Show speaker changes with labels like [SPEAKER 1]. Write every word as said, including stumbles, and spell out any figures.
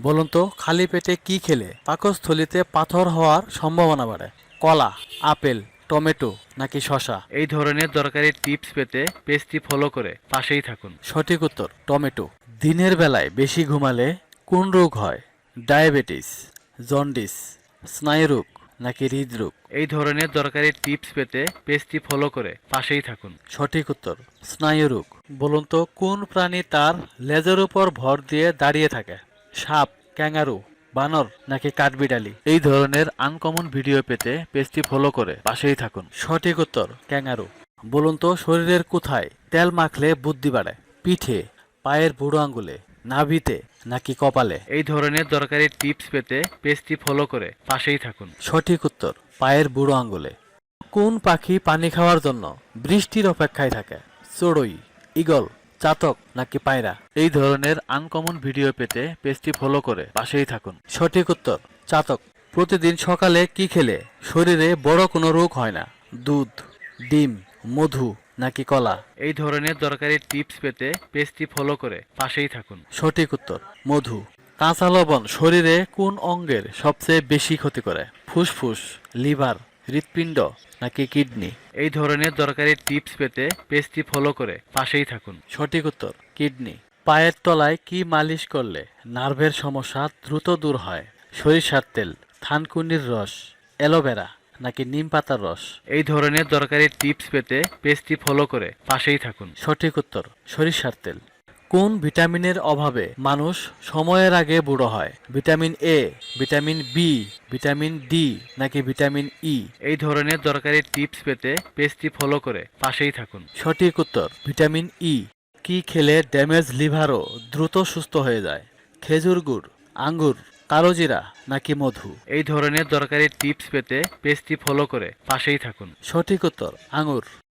[SPEAKER 1] বলুন তো খালি পেটে কি খেলে পাকস্থলীতে পাথর হওয়ার সম্ভাবনা বাড়ে? কলা, আপেল, টমেটো নাকি শসা?
[SPEAKER 2] এই ধরনের দরকারি টিপস পেতে পেজটি ফলো করে পাশেই থাকুন।
[SPEAKER 1] সঠিক উত্তর টমেটো। দিনের বেলায় বেশি ঘুমালে কোন রোগ হয়? ডায়াবেটিস, জন্ডিস, স্নায়ুরোগ নাকি হৃদরোগ?
[SPEAKER 2] এই ধরনের দরকারি টিপস পেতে পেজটি ফলো করে পাশেই থাকুন।
[SPEAKER 1] সঠিক উত্তর স্নায়ুরোগ। বলুন তো কোন প্রাণী তার লেজের উপর ভর দিয়ে দাঁড়িয়ে থাকে? সাপ, ক্যাঙ্গারু, বানর নাকি কাঠবিড়ালি? এই ধরনের আনকমন ভিডিও পেতে পেজটি ফলো করে পাশেই থাকুন। সঠিক উত্তর ক্যাঙ্গারু। বলুন তো শরীরের কোথায় তেল মাখলে বুদ্ধি বাড়ে? পিঠে, পায়ের বুড়ো আঙ্গুলে, নাভিতে নাকি কপালে?
[SPEAKER 2] এই ধরনের দরকারি টিপস পেতে পেজটি ফলো করে পাশেই থাকুন।
[SPEAKER 1] সঠিক উত্তর পায়ের বুড়ো আঙ্গুলে। কোন পাখি পানি খাওয়ার জন্য বৃষ্টির অপেক্ষায় থাকে? চড়ুই, ঈগল, চাতক নাকি পায়রা? এই ধরনের আনকমন ভিডিও পেতে পেজটি ফলো করে পাশেই থাকুন। সঠিক উত্তর চাতক। প্রতিদিন সকালে কি খেলে শরীরে বড় কোনো রোগ হয় না? দুধ, ডিম, মধু নাকি কলা?
[SPEAKER 2] এই ধরনের দরকারি টিপস পেতে পেজটি ফলো করে পাশেই থাকুন।
[SPEAKER 1] সঠিক উত্তর মধু। কাঁচা লবণ শরীরে কোন অঙ্গের সবচেয়ে বেশি ক্ষতি করে? ফুসফুস, লিভার, হৃৎপিণ্ড নাকি কিডনি?
[SPEAKER 2] এই ধরনের দরকারি টিপস পেতে পেজটি ফলো করে পাশেই থাকুন।
[SPEAKER 1] সঠিক উত্তর কিডনি। পায়ের তলায় কি মালিশ করলে নার্ভের সমস্যা দ্রুত দূর হয়? সরিষার তেল, থানকুনির রস, অ্যালোভেরা নাকি নিম পাতার রস?
[SPEAKER 2] এই ধরনের দরকারি টিপস পেতে পেজটি ফলো করে পাশেই থাকুন।
[SPEAKER 1] সঠিক উত্তর সরিষার তেল। কোন ভিটামিনের অভাবে মানুষ সময়ের আগে বুড়ো হয়? Vitamin A, vitamin B, vitamin D নাকি ভিটামিন ই?
[SPEAKER 2] এই ধরনের দরকারি টিপস পেতে পেজটি ফলো করে পাশেই থাকুন।
[SPEAKER 1] সঠিক উত্তর ভিটামিন ই। কি খেলে ড্যামেজ লিভারও দ্রুত সুস্থ হয়ে যায়? খেজুর গুড়, আঙ্গুর, কালোজিরা নাকি মধু?
[SPEAKER 2] এই ধরনের দরকারি টিপস পেতে পেজটি ফলো করে পাশেই থাকুন।
[SPEAKER 1] সঠিক উত্তর আঙ্গুর।